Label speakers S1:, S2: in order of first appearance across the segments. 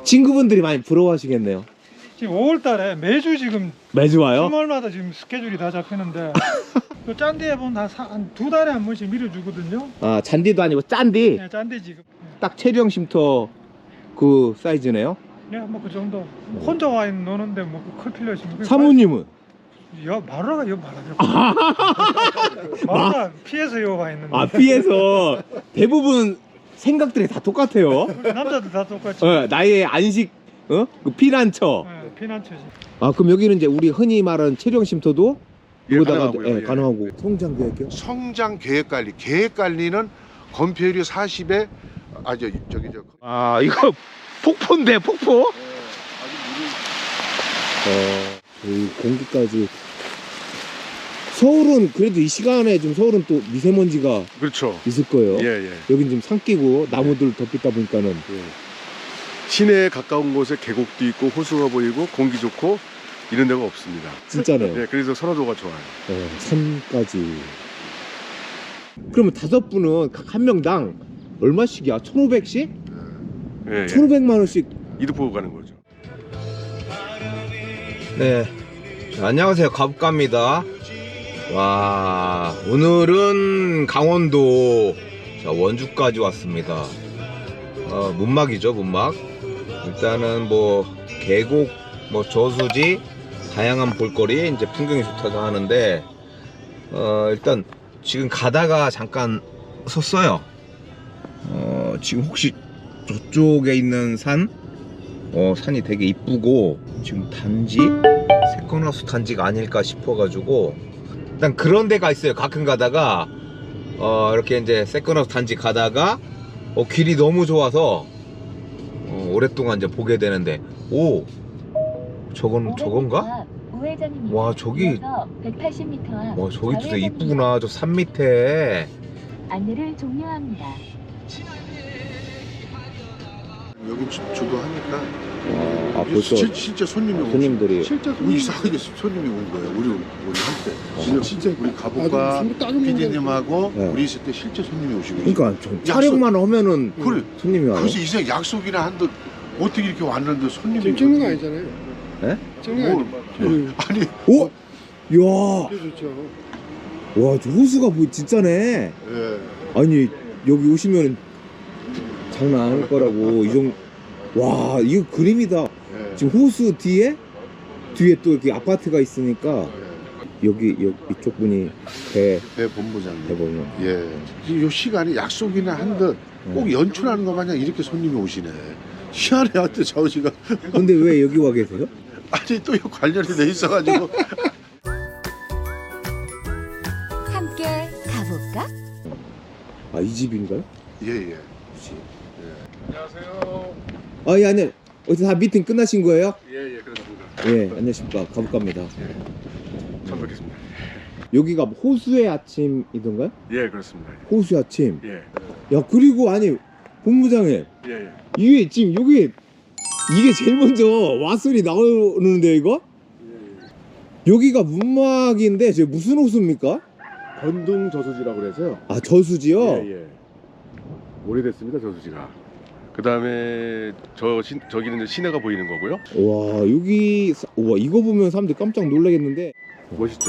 S1: 친구분들이 많이 부러워하시겠네요.
S2: 지금 5월달에 매주 지금
S1: 매주 와요?
S2: 주말마다 지금 스케줄이 다 잡히는데 그 짠디에 보면 한 2달에 한 번씩 밀어주거든요.
S1: 아, 잔디도 아니고 짠디.
S2: 네, 짠디 지금.
S1: 딱 체리형 쉼터 그 사이즈네요.
S2: 네, 뭐 그 정도. 혼자 와 있는 노는데 뭐 클 필요 없습니다.
S1: 사모님은?
S2: 마루라가 여 말하죠. 마루라 피해서 여 와 있는데.
S1: 아, 피해서 대부분 생각들이 다 똑같아요.
S2: 남자들 다 똑같이.
S1: 나의 안식, 그 피난처.
S2: 네, 피난처지.
S1: 아, 그럼 여기는 이제 우리 흔히 말하는 체리형 쉼터도
S3: 예,
S1: 이거다가
S3: 가능하고요. 예.
S1: 가능하고. 성장 계획이요?
S3: 성장 계획 관리. 계획 관리는 건폐율이 40에
S1: 아, 이거 폭포인데, 폭포? 이 공기까지. 서울은 그래도 이 시간에 좀 서울은 또 미세먼지가
S3: 그렇죠.
S1: 있을 거예요.
S3: 예.
S1: 여긴 지금 산 끼고 나무들 덮이다 보니까는.
S3: 예. 시내에 가까운 곳에 계곡도 있고 호수가 보이고 공기 좋고 이런 데가 없습니다.
S1: 진짜네요.
S3: 예, 그래서 선호도가 좋아요.
S1: 산까지. 그러면 5분은 각 한 명당 얼마씩이야? 1,500씩?
S3: 예,
S1: 1,500만 원씩.
S3: 이득 보고 가는 거죠.
S1: 네. 안녕하세요. 가북갑니다. 와, 오늘은 강원도 원주까지 왔습니다. 문막이죠, 문막. 일단은 뭐 계곡, 뭐 저수지, 다양한 볼거리, 이제 풍경이 좋다고 하는데, 일단 지금 가다가 잠깐 섰어요. 지금 혹시 저쪽에 있는 산이 되게 이쁘고, 지금 단지 세컨하우스 단지가 아닐까 싶어가지고, 일단 그런 데가 있어요. 가끔 가다가 이렇게 이제 세컨하우스 단지 가다가 길이 너무 좋아서 오랫동안 이제 보게 되는데, 오, 저건가? 와, 저기
S4: 180m
S1: 와, 저기 진짜 이쁘구나. 저 산 밑에.
S4: 안내를 종료합니다.
S3: 여기 주도하니까
S1: 벌써
S3: 실제 손님이
S1: 손님들이.
S3: 우리 이상하게 손님이 온 거예요. 우리 한테 진짜 우리 가복과 PD님하고
S1: 네.
S3: 우리 있을 때 실제 손님이 오시고 계세요.
S1: 그러니까 좀 촬영만 하면은
S3: 그래.
S1: 손님이 와요.
S3: 그래서 이상 약속이나 한데 어떻게 이렇게 왔는데 손님이
S5: 지금 찍는 거 아니잖아요.
S1: 네?
S5: 찍는 거 아니죠.
S3: 아니
S1: 오! 이야,
S5: 그게 좋죠.
S1: 와, 저 호수가 뭐 진짜네.
S3: 예.
S1: 아니, 여기 오시면 장난 아닐 거라고. 와, 이거 그림이다.
S3: 예.
S1: 지금 호수 뒤에 또 이렇게 아파트가 있으니까 여기 이쪽 분이
S3: 배 본부장님.
S1: 대보면.
S3: 예. 요 시간에 약속이나 한듯 꼭 연출하는 것 마냥 이렇게 손님이 오시네. 희한해 하여튼 저시가.
S1: 근데 왜 여기 와 계세요?
S3: 아니 또 관련이 돼 있어가지고.
S4: 함께 가볼까?
S1: 아, 이 집인가요?
S3: 예예.
S1: 아, 예, 아니, 어디서 다 미팅 끝나신 거예요?
S3: 예예 그렇습니다.
S1: 예, 안녕하십니까. 가볼까입니다.
S3: 처음 뵙겠습니다.
S1: 여기가 호수의 아침이던가요?
S3: 예 그렇습니다.
S1: 호수의 아침.
S3: 예.
S1: 야, 그리고 아니, 본부장님,
S3: 예.
S1: 이게 지금 이게 제일 먼저 왓소리 나오는데 이거? 여기가 문막인데 저게 무슨 호수입니까?
S3: 건둥 저수지라고 그래서요.
S1: 아, 저수지요?
S3: 예. 오래됐습니다 저수지가. 그 다음에 저기는 이제 시내가 보이는 거고요.
S1: 와, 와, 이거 보면 사람들 깜짝 놀라겠는데.
S3: 멋있죠.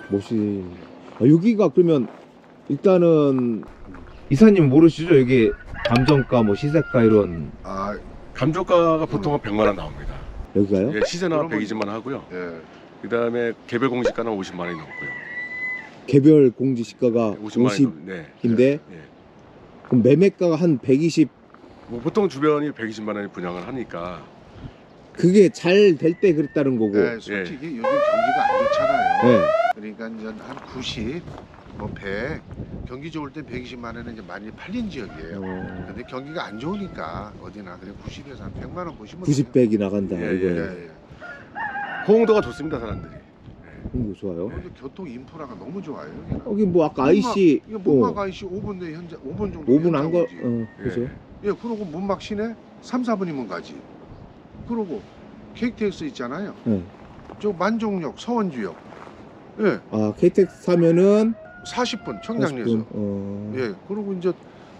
S1: 여기가 그러면 일단은 이사님 모르시죠? 여기 감정가 뭐 시세가 이런.
S3: 아 감정가가 보통 한 100만 원 나옵니다.
S1: 여기가요?
S3: 예, 시세나 120만 원 하고요. 예. 그 다음에 개별 공시가는 50만 원이 넘고요.
S1: 개별 공지 시가가
S3: 50만 원이
S1: 50인데
S3: 예.
S1: 그럼 매매가가 한 120.
S3: 뭐 보통 주변이 120만 원이 분양을 하니까.
S1: 그게 잘 될 때 그랬다는 거고.
S6: 네, 솔직히 요즘 경기가 안 좋잖아요.
S1: 네.
S6: 그러니까 이제 한 90, 뭐 100, 경기 좋을 때 120만 원은 이제 많이 팔린 지역이에요. 근데 경기가 안 좋으니까 어디나 그래 90에서 한 100만 원 보시면
S1: 90, 100이 나간다.
S3: 예,
S1: 이거예요.
S6: 예.
S3: 호응도가 좋습니다 사람들이.
S1: 이거 좋아요.
S6: 근데 교통 인프라가 너무 좋아요. 여기는.
S1: 여기 뭐 아까 IC
S6: 이거 문막 IC 5분 내 현재 5분 정도.
S1: 5분 안 거.
S6: 오지.
S1: 그죠?
S6: 예, 그러고 문막 시내 3, 4분이면 가지. 그러고 KTX 있잖아요.
S1: 네.
S6: 저 만종역, 서원주역. 예,
S1: 아, KTX 사면은
S6: 40분 청량리에서.
S1: 40분.
S6: 예, 그리고 이제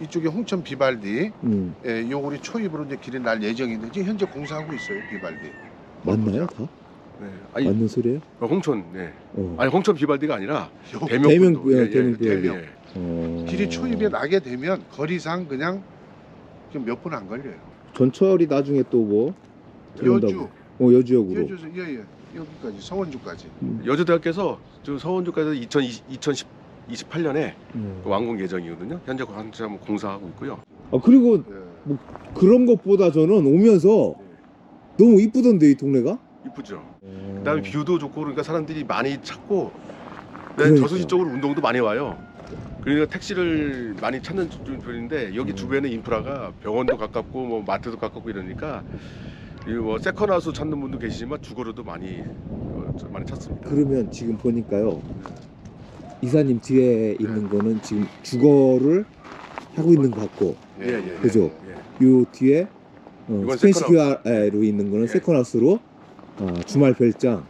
S6: 이쪽에 홍천 비발디,
S1: 음.
S6: 예, 요 우리 초입으로 이제 길이 날 예정인데 지금 현재 공사하고 있어요, 비발디.
S1: 맞나요 다?
S7: 네. 아니
S1: 맞는 소리예요?
S7: 홍천 네.
S1: 어.
S7: 아니 홍천 비발디가 아니라
S6: 요
S7: 대명
S1: 대명,
S7: 분도.
S1: 대명 비발디.
S7: 예.
S1: 어.
S6: 길이 초입에 나게 되면 거리상 그냥 좀 몇 분 안 걸려요.
S1: 전철이 나중에 또 뭐?
S6: 여주,
S1: 여주역으로.
S6: 여주에서 예예 여기까지 서원주까지.
S7: 여주대학교에서 저 서원주까지 2028년에
S1: 음.
S7: 완공 예정이거든요. 현재 한참 공사하고 있고요.
S1: 아 그리고
S6: 예.
S1: 그런 것보다 저는 오면서 너무 이쁘던데 이 동네가?
S7: 이쁘죠. 그다음에 뷰도 좋고 그러니까 사람들이 많이 찾고
S1: 그러니까.
S7: 저수지 쪽으로 운동도 많이 와요. 그러니까 택시를 많이 찾는 편인데 여기 주변에 인프라가 병원도 가깝고 뭐 마트도 가깝고 이러니까 이뭐 세컨하우스 찾는 분도 계시지만 주거로도 많이 찾습니다.
S1: 그러면 지금 보니까요 이사님 뒤에 있는 거는 지금 주거를 하고 있는 것 같고
S6: 예,
S7: 예,
S1: 그죠?
S7: 예.
S1: 요 뒤에
S7: 이건
S1: 스펜시큐아로 있는 거는
S7: 예.
S1: 세컨하우스로 주말 별장.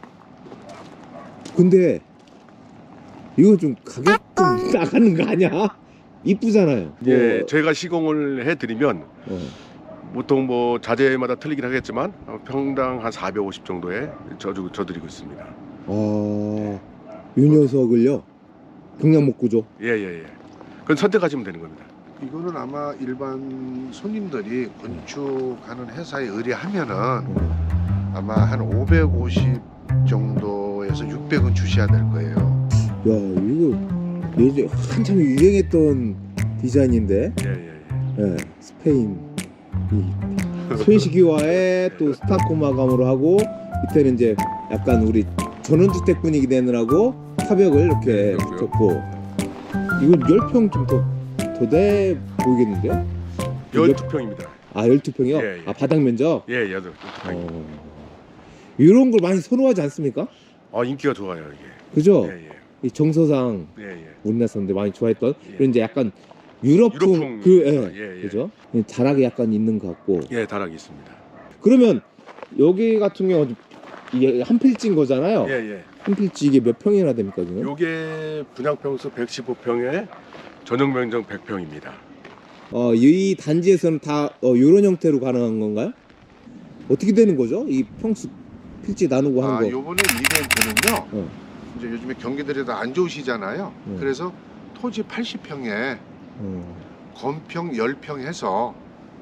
S1: 근데 이거 좀 가격 좀 나가는 거 아니야? 이쁘잖아요.
S7: 예,
S1: 뭐,
S7: 저희가 시공을 해드리면 보통 뭐 자재마다 틀리긴 하겠지만 평당 한 450 정도에 줘드리고 있습니다.
S1: 요 녀석을요 경량목 구조.
S7: 예예예. 그건 선택하시면 되는 겁니다.
S6: 이거는 아마 일반 손님들이 건축하는 회사에 의뢰하면은 아마 한 550 정도에서 600은 주셔야 될 거예요.
S1: 야 이거 예전 한참 유행했던 디자인인데
S7: 예예예.
S1: 예, 스페인 이 스페인시기와의 또 스타코마감으로 하고 이때는 이제 약간 우리 전원주택 분위기 내느라고 타벽을 이렇게
S7: 그렇고요.
S1: 붙였고 이건 10평 좀 더 돼 보이겠는데요?
S7: 12평입니다.
S1: 아 12평이요?
S7: 예, 예.
S1: 아 바닥 면적?
S7: 예, 12평.
S1: 이런 걸 많이 선호하지 않습니까?
S7: 인기가 좋아요 이게.
S1: 그죠?
S7: 예예.
S1: 이 정서상
S7: 예예.
S1: 우리나라 사람들이 많이 좋아했던
S7: 예.
S1: 이런 이제 약간 유럽풍
S7: 유럽풍.
S1: 그
S7: 예, 예.
S1: 그죠? 다락이 약간 있는 것 같고
S7: 예, 다락이 있습니다.
S1: 그러면 여기 같은 경우 이게 한 필지인 거잖아요.
S7: 예예.
S1: 한 필지 이게 몇 평이나 됩니까 지금?
S7: 요게 분양평수 115평에 전용 면적 100평입니다.
S1: 이 단지에서는 다 이런 형태로 가능한 건가요? 어떻게 되는 거죠? 이 평수 필지 나누고 하는 거.
S6: 요번에 이벤트는요.
S1: 어.
S6: 이제 요즘에 경기들이 다 안 좋으시잖아요.
S1: 네.
S6: 그래서 토지 80평에 건평 10평 해서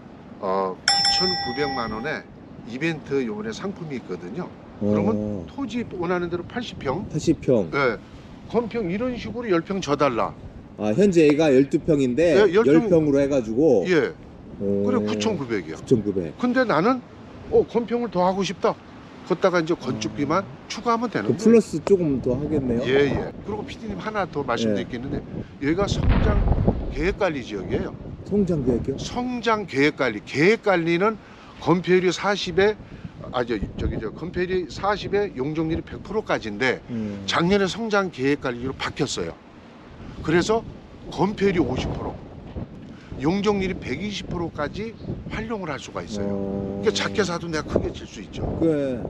S6: 9,900만 원에 이벤트 요번에 상품이 있거든요. 그러면 토지 원하는 대로 80평,
S1: 80평.
S6: 예, 건평 이런 식으로 10평 줘달라.
S1: 현재 얘가 12평인데
S6: 네, 10평
S1: 10평으로 해가지고
S6: 예, 그래 9,900이야.
S1: 9,900.
S6: 근데 나는 건평을 더 하고 싶다. 걷다가 이제 건축비만 추가하면 되는
S1: 그
S6: 거예요.
S1: 플러스 조금 더 하겠네요.
S6: 예. 그리고 PD님 하나 더
S1: 예.
S6: 말씀드리겠는데 여기가 성장 계획관리 지역이에요.
S1: 성장 계획이요?
S6: 성장 계획관리. 계획관리는 건폐율이 40에 건폐율이 40에 용적률이 100%까지인데 작년에 성장 계획관리로 바뀌었어요. 그래서 건폐율이 50%, 용적률이 120%까지 활용을 할 수가 있어요. 그러니까 작게 사도 내가 크게 칠 수 있죠.
S1: 그래.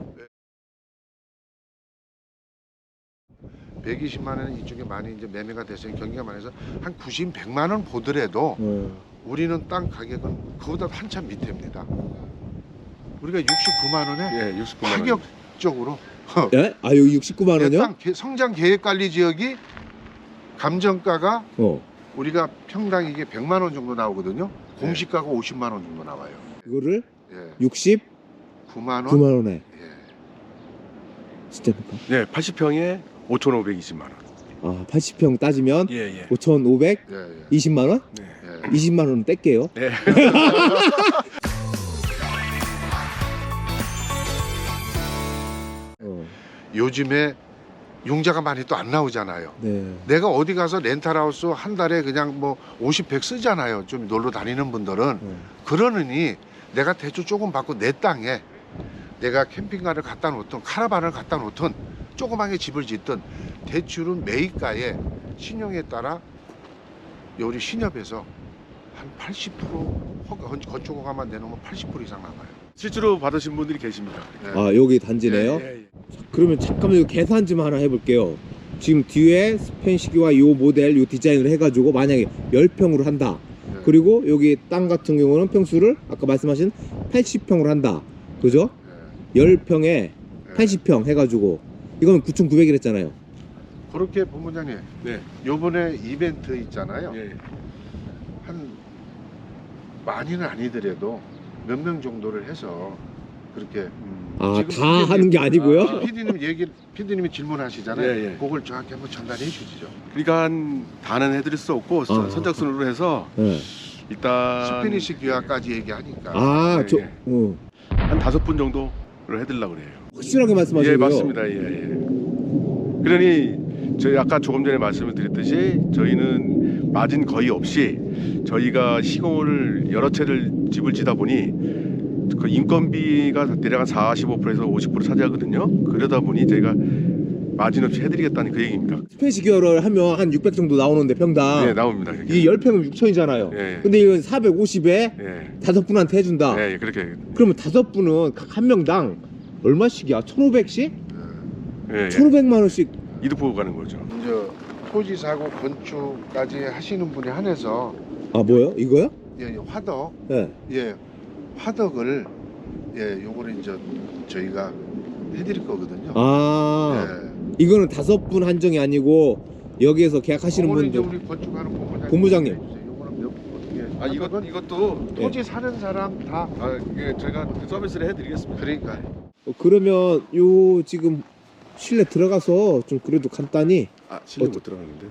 S6: 120만 원은 이쪽에 많이 이제 매매가 돼서 경기가 많아서 한 90, 100만 원 보더라도 우리는 땅 가격은 그보다 한참 밑입니다. 우리가 69만 원에
S7: 예, 69만 원.
S6: 파격적으로
S1: 예? 여기 69만 원이요?
S6: 땅 성장 계획 관리 지역이 감정가가 우리가 평당 이게 100만 원 정도 나오거든요. 공시가가 50만 원 정도 나와요.
S1: 이거를
S6: 예. 69만 원.
S1: 9만 원에.
S6: 예.
S1: 진짜입니까?
S7: 네, 80평에 5,520만 원.
S1: 80평 따지면
S7: 예.
S1: 5,520만 원?
S7: 네.
S6: 예.
S1: 20만 원 뗄게요.
S7: 네.
S6: 요즘에 융자가 많이 또 안 나오잖아요.
S1: 네.
S6: 내가 어디 가서 렌탈하우스 한 달에 그냥 뭐 50, 100 쓰잖아요. 좀 놀러 다니는 분들은. 그러느니 내가 대출 조금 받고 내 땅에 내가 캠핑카를 갖다 놓든 카라반을 갖다 놓든 조그맣게 집을 짓든 대출은 매입가에 신용에 따라 우리 신협에서 한 80% 건축 허가만 내놓으면 80% 이상 나가요.
S7: 실제로 받으신 분들이 계십니다.
S6: 네.
S1: 여기 단지네요.
S7: 예.
S1: 그러면 잠깐만 이거 계산 좀 하나 해볼게요. 지금 뒤에 스펜시기와 요 모델 요 디자인을 해가지고 만약에 10평으로 한다.
S6: 네.
S1: 그리고 여기 땅 같은 경우는 평수를 아까 말씀하신 80평으로 한다. 그죠? 10평에 80평 해가지고 이건 9,900이랬잖아요.
S3: 그렇게 본부장님
S7: 네.
S3: 요번에 이벤트 있잖아요.
S7: 예.
S3: 한 많이는 아니더라도 몇 명 정도를 해서 그렇게
S1: 아,
S3: 지금
S1: 다
S3: 피디님-
S1: 하는 게 아니고요?
S7: 아.
S3: 피디님이 질문하시잖아요.
S7: 예, 예.
S3: 그걸 정확히 한번 전달해 주시죠.
S7: 그러니까 다는 해드릴 수 없고
S1: 아.
S7: 선착순으로 해서
S1: 네.
S7: 일단
S3: 스페니시 귀화까지 얘기하니까.
S1: 아,
S7: 예,
S1: 저,
S7: 예.
S1: 어.
S7: 한 5분 정도를 해드리려고 그래요.
S1: 확실하게 말씀하시고요.
S7: 예, 맞습니다. 예, 예. 그러니 저희 아까 조금 전에 말씀을 드렸듯이 저희는 마진 거의 없이 저희가 시공을 여러 채를 집을 지다 보니 그 인건비가 대략 한 45%에서 50% 차지하거든요. 그러다 보니 저희가 마진 없이 해드리겠다는 그 얘기입니다.
S1: 스페이스 기어를 하면 한 600 정도 나오는데 평당.
S7: 네, 나옵니다.
S1: 이게 10평은 6,000이잖아요.
S7: 예,
S1: 근데 이건 450에
S7: 예,
S1: 5분한테 해준다.
S7: 예, 그렇게.
S1: 그러면 5분은 각 한 명당 얼마씩이야? 1,500씩?
S7: 예, 예.
S1: 1,500만 원씩.
S7: 이득 보고 가는 거죠.
S3: 이제 토지 사고 건축까지 하시는 분에 한해서
S1: 아, 뭐요? 이거요?
S3: 예, 화덕
S1: 네.
S3: 예 화덕을 예 요거를 이제 저희가 해드릴 거거든요.
S1: 아,
S3: 예.
S1: 이거는 5분 한정이 아니고 여기에서 계약하시는
S3: 요거는 이제
S1: 분들.
S3: 우리 건축하는
S1: 본부장님.
S3: 요거는 어떻게?
S7: 아, 이것도
S3: 토지 사는 사람 다
S7: 아, 이게 저희가 서비스를 해드리겠습니다.
S3: 그러니까
S1: 그러면 요 지금 실내 들어가서 좀 그래도 간단히.
S7: 아, 실내 못 들어가는데.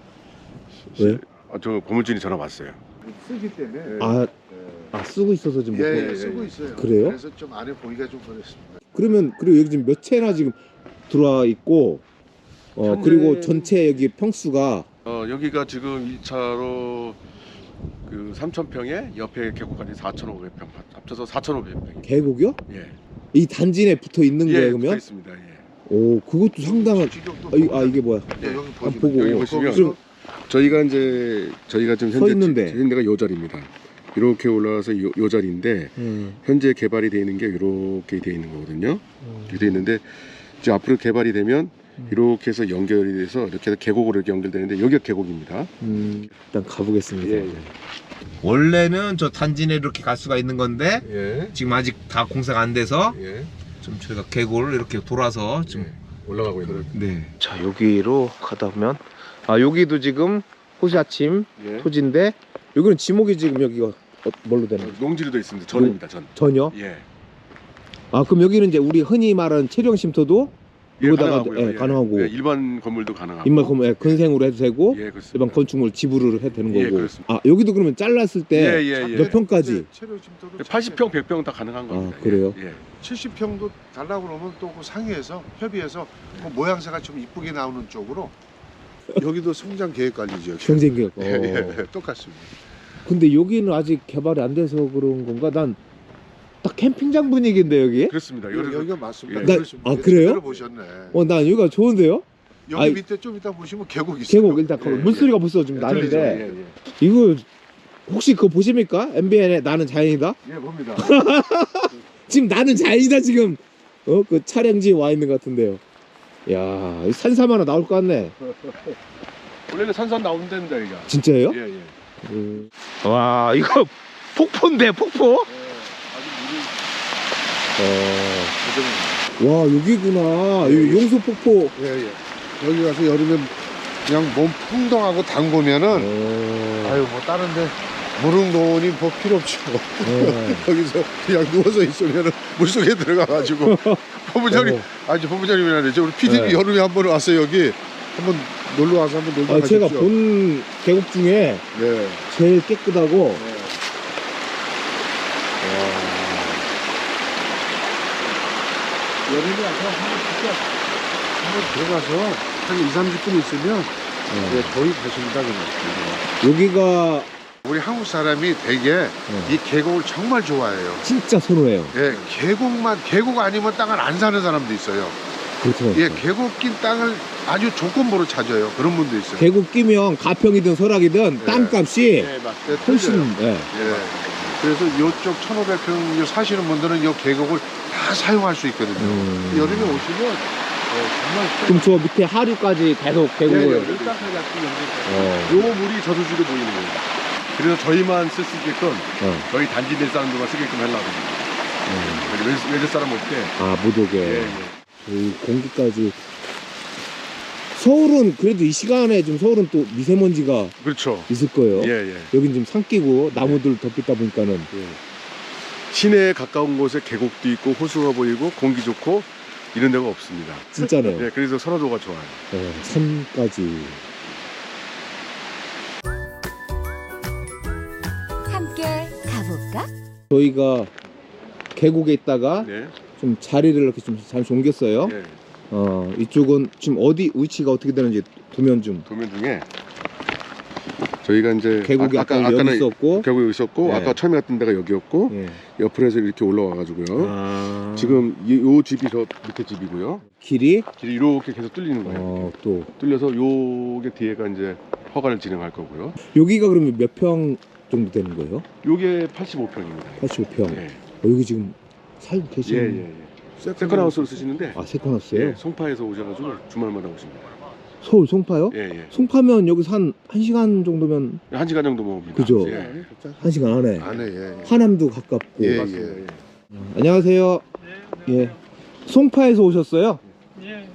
S1: 왜요?
S7: 아, 저 고물진이 전화 왔어요.
S3: 쓰기 때문에
S1: 아,
S3: 예.
S1: 쓰고 있어서 지금 못
S3: 예,
S1: 보고.
S3: 예, 쓰고 있어요.
S1: 그래요?
S3: 그래서 좀 안에 보기가 좀 그렇습니다.
S1: 그러면 그리고 여기 지금 몇 채나 지금 들어와 있고
S7: 현재-
S1: 그리고 전체 여기 평수가
S7: 여기가 지금 1차로 그 3,000평에 옆에 계곡까지 4,500평 합쳐서 4,500평.
S1: 계곡이요?
S7: 예.
S1: 이 단지 내에 붙어 있는 거예요,
S7: 붙어
S1: 그러면?
S7: 있습니다. 예.
S1: 오, 그것도 상당한. 이게 뭐야?
S3: 예, 여기
S1: 안
S3: 보시면
S1: 보고.
S7: 여기 보시면
S1: 지금
S7: 저희가 지금
S1: 서 있는데.
S7: 지금 데가 요 자리입니다. 이렇게 올라와서 요 자리인데 현재 개발이 되어 있는 게 이렇게 되어 있는 거거든요. 이렇게 되어 있는데 이제 앞으로 개발이 되면 이렇게 해서 연결이 돼서 이렇게 해서 계곡으로 이렇게 연결되는데 여기가 계곡입니다.
S1: 일단 가보겠습니다.
S7: 예, 예.
S1: 원래는 저 단지 내 이렇게 갈 수가 있는 건데
S7: 예.
S1: 지금 아직 다 공사가 안 돼서
S7: 예.
S1: 좀 저희가 계곡을 이렇게 돌아서 지금
S7: 올라가고 있는.
S1: 네. 자, 여기로 가다 보면 여기도 지금 호시 아침
S7: 예.
S1: 토지인데 여기는 지목이 지금 여기가 뭘로 되나요?
S7: 농지로 되어 있습니다. 전입니다. 전.
S1: 전혀?
S7: 예.
S1: 그럼 여기는 이제 우리 흔히 말하는 체류형 쉼터도 여기다가
S7: 가능하고요.
S1: 가능하고
S7: 예, 일반 건물도 가능하고.
S1: 인말 건물 근생으로 해도 되고
S7: 예, 그렇습니다.
S1: 일반 건축물 지불을 해도 되는
S7: 예,
S1: 거고.
S7: 그렇습니다.
S1: 여기도 그러면 잘랐을 때
S7: 예, 예, 예.
S1: 몇 평까지?
S7: 80평, 100평 다 가능한 겁니다.
S1: 그래요?
S7: 예.
S3: 70평도 달라고 그러면 또 그 상의해서 협의해서 그 모양새가 좀 이쁘게 나오는 쪽으로 여기도 성장 계획 관리죠.
S1: 경쟁력.
S3: 예, 예, 똑같습니다.
S1: 근데 여기는 아직 개발이 안 돼서 그런 건가? 난 딱 캠핑장 분위기인데 여기?
S7: 그렇습니다.
S3: 여기가 맞습니다.
S7: 예.
S3: 그렇습니다.
S1: 그래요?
S3: 제대로 보셨네.
S1: 난 여기가 좋은데요?
S3: 여기
S1: 아이,
S3: 밑에 좀 이따 보시면 계곡 있어요.
S1: 계곡 일단
S3: 예,
S1: 물소리가 벌써 좀
S3: 예,
S1: 나는데
S3: 들리죠? 예, 예.
S1: 이거 혹시 그거 보십니까? MBN의 나는 자연이다?
S3: 예, 봅니다.
S1: 지금 나는 자연이다 지금 그 촬영지에 와 있는 것 같은데요. 야, 이 산삼 하나 나올 것 같네.
S7: 원래는 산산 나오는 데입니다, 여기가.
S1: 진짜예요?
S7: 예, 예.
S1: 와, 이거 폭포인데 폭포? 와, 여기구나. 여기 용수 폭포.
S3: 예, 예. 여기 가서 여름에 그냥 몸 풍덩하고 담그면은 아유 뭐 다른데 무릉도원이 뭐 필요 없죠. 여기서 그냥 누워서 있으면은 물속에 들어가가지고 본부장님 본부장님이라 그러죠. 우리 PD님
S1: 네.
S3: 여름에 한번 왔어요. 여기 한번 놀러 와서 한번 놀다 가십시오.
S1: 제가 본 계곡 중에
S3: 네.
S1: 제일 깨끗하고
S3: 여름에 와서 한번 들어가서 한 2, 30분 있으면 네, 거의 가십니다. 그냥.
S1: 여기가
S3: 우리 한국 사람이 되게 이 계곡을 정말 좋아해요.
S1: 진짜 선호해요.
S3: 예, 계곡 아니면 땅을 안 사는 사람도 있어요.
S1: 그렇죠.
S3: 예, 계곡 낀 땅을 아주 조건부로 찾아요. 그런 분도 있어요.
S1: 계곡 끼면 가평이든 설악이든
S3: 네.
S1: 땅값이
S3: 예,
S1: 훨씬
S3: 틀려요.
S1: 예.
S3: 예. 그래서 이쪽 1,500평 사시는 분들은 이 계곡을 다 사용할 수 있거든요. 여름에 오시면 정말
S1: 그럼 저 밑에 하류까지 계속 계곡을
S3: 요 물이 저수지로 보이는 거예요.
S7: 그래서 저희만 쓸 수 있게끔 저희 단지 내 사람들만 쓰게끔 하려고 합니다. 외제 사람 없게.
S1: 아, 못 오게.
S7: 예, 예.
S1: 이 공기까지. 서울은 그래도 이 시간에 좀 서울은 또 미세먼지가
S7: 그렇죠.
S1: 있을 거예요.
S7: 예, 예.
S1: 여긴 지금 산 끼고 나무들 덮있다 보니까는.
S7: 예. 시내에 가까운 곳에 계곡도 있고 호수가 보이고 공기 좋고 이런 데가 없습니다.
S1: 진짜네요.
S7: 예, 그래서 선호도가 좋아요.
S1: 산까지.
S4: 함께 가볼까?
S1: 저희가 계곡에 있다가
S7: 네.
S1: 좀 자리를 이렇게 좀 잠시 옮겼어요.
S7: 예.
S1: 이쪽은 지금 어디 위치가 어떻게 되는지 도면 좀.
S7: 도면 중에 저희가 이제
S1: 계곡이 아까는 여기 있었고.
S7: 계곡이 있었고
S1: 네.
S7: 아까 처음에 갔던 데가 여기였고
S1: 예.
S7: 옆으로 해서 이렇게 올라와가지고요. 지금 요 집이 저 밑에 집이고요.
S1: 길이
S7: 길이 이렇게 계속 뚫리는 거예요.
S1: 또
S7: 뚫려서 요게 뒤에가 이제 허가를 진행할 거고요.
S1: 여기가 그러면 몇 평 정도 되는 거예요?
S7: 요게 85평입니다.
S1: 85평.
S7: 예.
S1: 여기 지금 살고
S7: 예,
S1: 계시는.
S7: 예, 예. 세컨하우스로 쓰시는데
S1: 세컨하우스예요?
S7: 예, 송파에서 오셔가지고 주말마다 오십니다.
S1: 서울 송파요?
S7: 예, 예.
S1: 송파면 여기서 한 1시간 정도면
S7: 1시간 정도 먹습니다.
S1: 그죠?
S7: 예.
S1: 1시간 안에.
S3: 안에 예.
S1: 하남도 가깝고.
S3: 예,
S7: 맞습니다.
S3: 예.
S1: 안녕하세요. 예. 송파에서 오셨어요?
S2: 예.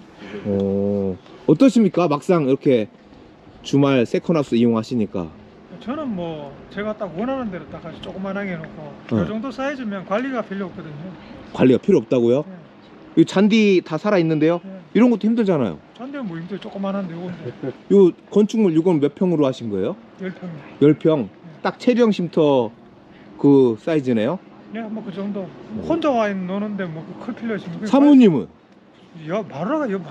S1: 어떠십니까? 막상 이렇게 주말 세컨하우스 이용하시니까.
S2: 저는 뭐 제가 딱 원하는 대로 딱 아주 조그만하게 해놓고 이 정도 사이즈면 관리가 필요 없거든요.
S1: 관리가 필요 없다고요? 이 잔디 다 살아 있는데요.
S2: 예.
S1: 이런 것도 힘들잖아요.
S2: 전대 뭐 힘들 조그만한데 이건데
S1: 요 건축물 이건 몇 평으로 하신 거예요?
S2: 10평.
S1: 10평. 딱 체령 쉼터 그 사이즈네요.
S2: 예, 뭐 그 정도. 혼자 와 있는 노는데 뭐 클 필요 있습니까?
S1: 사모님은
S2: 야, 마루라가 여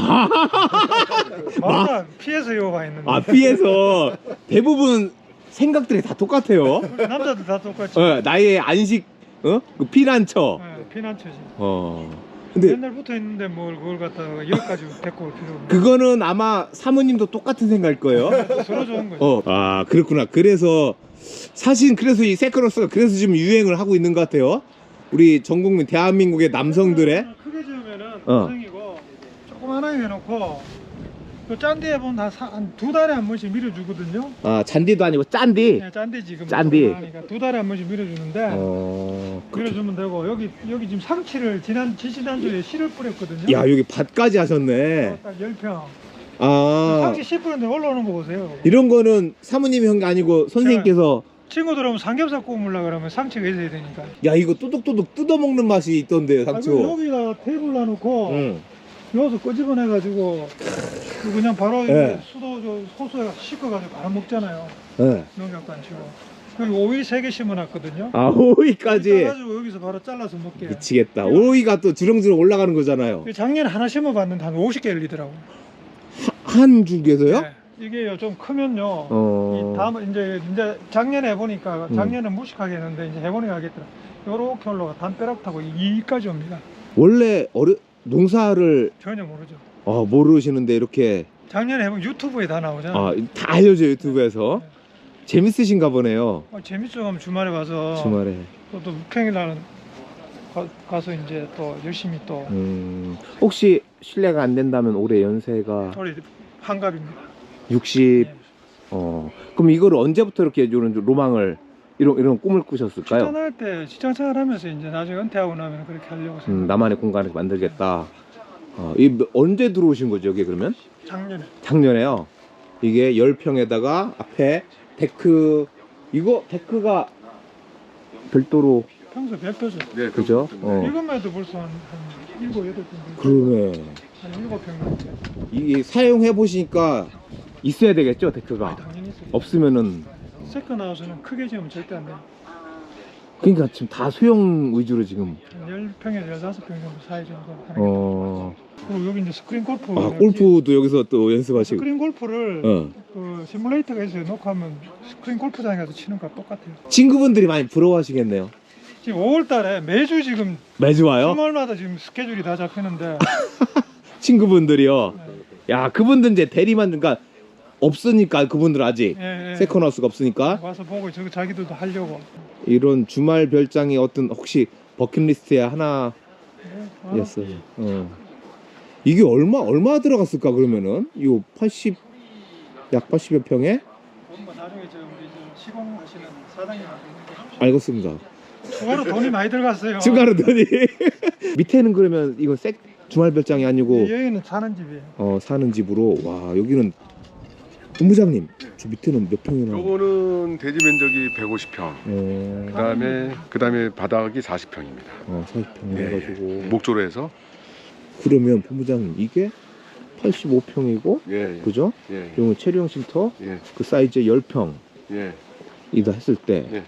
S2: 말하죠. 마루라 피해서 여 와 있는데.
S1: 피해서 대부분 생각들이 다 똑같아요.
S2: 남자들 다 똑같이.
S1: 나의 안식 그 피난처.
S2: 예, 피난처지.
S1: 근데
S2: 옛날부터 있는데 뭘 그걸 갖다가 여기까지 데리고 올 필요 없네.
S1: 그거는 아마 사모님도 똑같은 생각일 거예요.
S2: 서로 좋은 거죠.
S1: 그렇구나. 그래서 사실 그래서 이 세컨하우스가 그래서 지금 유행을 하고 있는 것 같아요. 우리 전 국민 대한민국의 남성들의
S2: 크게 지으면은 고생이고 조그만하게 해놓고 그 짠디에 보면 한 두 달에 한 번씩 밀어주거든요.
S1: 잔디도 아니고 짠디.
S2: 네, 짠디 지금
S1: 짠디.
S2: 조그마하니까 두 달에 한 번씩 밀어주는데 밀어주면 되고 여기 지금 상치를 지난주에 씨를 뿌렸거든요.
S1: 야, 여기 밭까지 하셨네.
S2: 딱 10평.
S1: 아,
S2: 상치 씨 뿌렸는데 올라오는 거 보세요.
S1: 이런 거는 사모님이 한 게 아니고 선생님께서
S2: 친구들 오면 삼겹살 구우려고 그러면 상치가 있어야 되니까.
S1: 야, 이거 또둑또둑 뜯어먹는 맛이 있던데 상추.
S2: 여기다 테이블 놔놓고
S1: 응.
S2: 여기서 끄집어내가지고 그냥 바로
S1: 네.
S2: 호수에 씻어가지고 바로 먹잖아요.
S1: 네.
S2: 농약도 안 치고. 그리고 오이 3개 심어놨거든요.
S1: 오이까지.
S2: 가지고 여기서 바로 잘라서 먹게.
S1: 미치겠다. 오이가 또 주렁주렁 올라가는 거잖아요.
S2: 작년에 하나 심어봤는데 한 50개 열리더라고.
S1: 한 줄기에서요?
S2: 네. 이게 좀 크면요. 이 다음 이제 작년에 해보니까 작년에 무식하게 했는데 이제 해보니까 하겠더라. 요렇게 올라가 담벼락 타고 이까지 옵니다.
S1: 원래 농사를
S2: 전혀 모르죠.
S1: 모르시는데 이렇게
S2: 작년에 해보면 유튜브에 다 나오잖아.
S1: 다 알려줘요 유튜브에서. 재밌으신가 보네요.
S2: 재밌어 하면 주말에 와서
S1: 주말에.
S2: 또 평일날은 가서 이제 또 열심히 또
S1: 혹시 실례가 안 된다면 올해 연세가
S2: 우리 한갑입니다.
S1: 60.
S2: 예.
S1: 그럼 이거를 언제부터 이렇게 이런 로망을 이런 꿈을 꾸셨을까요?
S2: 직장할 때 직장생활 하면서 이제 나중에 은퇴하고 나면 그렇게 하려고 생각.
S1: 나만의 공간을 만들겠다. 언제 들어오신 거죠 여기 그러면?
S2: 작년에.
S1: 작년에요. 이게 10평에다가 앞에 데크, 이거 데크가 별도로.
S2: 평소 100도죠.
S7: 네,
S1: 그죠?
S2: 이것만 해도 벌써 한 7, 8평.
S1: 그러네.
S2: 한 7평.
S1: 이게 사용해 보시니까 있어야 되겠죠 데크가.
S2: 당연히 있어요.
S1: 없으면은.
S2: 세컨하우스는 크게 지으면 절대 안 돼요.
S1: 그러니까 지금 다 소형 위주로 지금.
S2: 한 10평에서 15평 정도 사이 정도 하는 게. 그리고 여기 이제 스크린 골프.
S1: 골프도 여기서 또 연습하시고.
S2: 스크린 골프를 그 시뮬레이터가 있어요. 놓고 하면 스크린 골프장에 가서 치는 거랑 똑같아요.
S1: 친구분들이 많이 부러워하시겠네요.
S2: 지금 5월달에 매주 지금
S1: 매주 와요?
S2: 주말마다 지금 스케줄이 다 잡히는데.
S1: 친구분들이요.
S2: 네.
S1: 야, 그분들 이제 대리만, 그러니까 없으니까 그분들 아직
S2: 예.
S1: 세컨하우스가 없으니까
S2: 와서 보고 저기 자기들도 하려고.
S1: 이런 주말 별장이 어떤 혹시 버킷리스트의 하나였어요. 이게 얼마 들어갔을까 그러면은 요 80 약 80여 평에
S2: 나중에 저 우리 시공하시는 사장님
S1: 알겠습니다.
S2: 추가로 돈이 많이 들어갔어요.
S1: 추가로 돈이. 밑에는 그러면 이거 주말별장이 아니고
S2: 여기는 사는 집이에요.
S1: 사는 집으로. 와, 여기는 본부장님, 저 밑에는 몇 평이나?
S7: 요거는 대지 면적이 150평. 그다음에 바닥이 40평입니다.
S1: 40평
S7: 예,
S1: 해가지고.
S7: 목조로 해서.
S1: 그러면 본부장님 이게 85평이고,
S7: 예.
S1: 그죠?
S7: 예.
S1: 이건 체류형 쉼터
S7: 예.
S1: 그 사이즈 10평
S7: 예.
S1: 이다 했을 때,
S7: 예.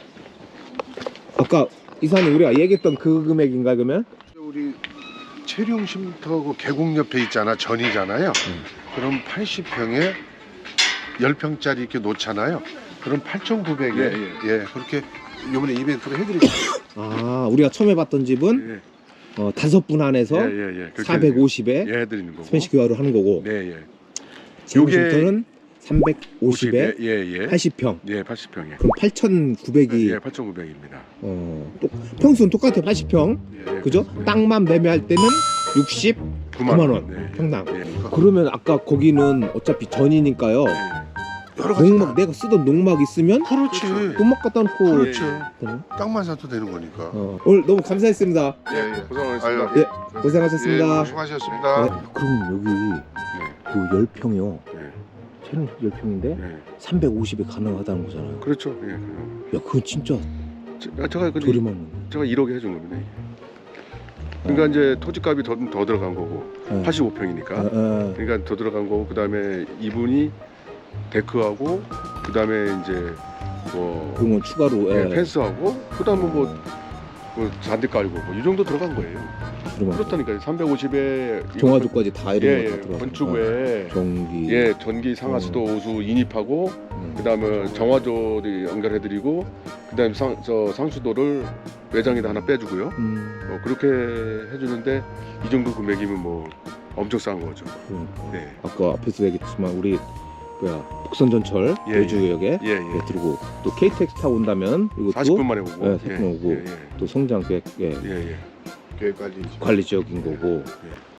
S1: 아까 이사님 우리가 얘기했던 그 금액인가 그러면?
S6: 우리 체류형 쉼터 그 계곡 옆에 있잖아. 전이잖아요. 그럼 80평에 10평짜리 이렇게 놓잖아요. 그럼 8,900에 예, 그렇게 이번에 이벤트로 해드릴게요.
S1: 아, 우리가 처음에 봤던 집은
S7: 예.
S1: 5분 안에서
S7: 예.
S1: 450에
S7: 예, 해드리는 거고.
S1: 스페인식 교화를 하는 거고,
S7: 네, 예.
S1: 체류형
S7: 요게-
S1: 쉼터는 350에
S7: 예.
S1: 80평.
S7: 예, 80평에.
S1: 그럼 8,900이
S7: 예, 8,900입니다.
S1: 평수는 똑같아요. 80평.
S7: 예.
S1: 그죠? 땅만 매매할 때는 69만 원
S7: 네.
S1: 평당.
S7: 예.
S1: 그러면 아까 거기는 어차피 전이니까요.
S6: 여러 가지
S1: 농막, 내가 쓰던 농막 있으면
S6: 그렇지.
S1: 농막 갖다 놓고.
S6: 그렇죠.
S1: 되네.
S6: 땅만 사도 되는 거니까.
S1: 오늘 너무 감사했습니다.
S6: 예.
S7: 고생하셨습니다.
S6: 아유,
S1: 예, 고생하셨습니다.
S6: 예, 수고하셨습니다.
S1: 네, 그럼 여기 그 10평이요.
S7: 예.
S1: 채는 10평인데
S7: 예.
S1: 350에 가능하다는 거잖아요.
S7: 그렇죠. 예.
S1: 야, 그건 진짜
S7: 제가 근데
S1: 저렴한
S7: 제가 1억에 해준 겁니다. 이게. 그러니까 이제 토지값이 더 들어간 거고
S1: 네.
S7: 85평이니까 그러니까 더 들어간 거고 그다음에 이분이 데크하고 그다음에 이제 뭐
S1: 그런 건 추가로.
S7: 예, 펜스하고 그다음에 뭐 잔디 깔고 뭐 이 정도 들어간 거예요.
S1: 그러면
S7: 그렇다니까요. 350에
S1: 종아조까지 다 이런
S7: 예,
S1: 거다 들어가.
S7: 건축에
S1: 전기.
S7: 예, 전기 상하수도 오수 인입하고 그다음에 정화조를 연결해드리고 그다음에 상수도를 외장에다 하나 빼주고요. 그렇게 해주는데 이 정도 금액이면 뭐 엄청 싼 거죠. 네.
S1: 아까 앞에서 얘기했지만 우리 북선전철
S7: 예,
S1: 여주역에
S7: 예.
S1: 들고 또 KTX 타고 온다면 이것도
S7: 40분 만에 오고.
S1: 예, 40분 오고 또 성장 계획
S7: 예.
S6: 계획 관리.
S1: 관리 지역인 거고.
S7: 예.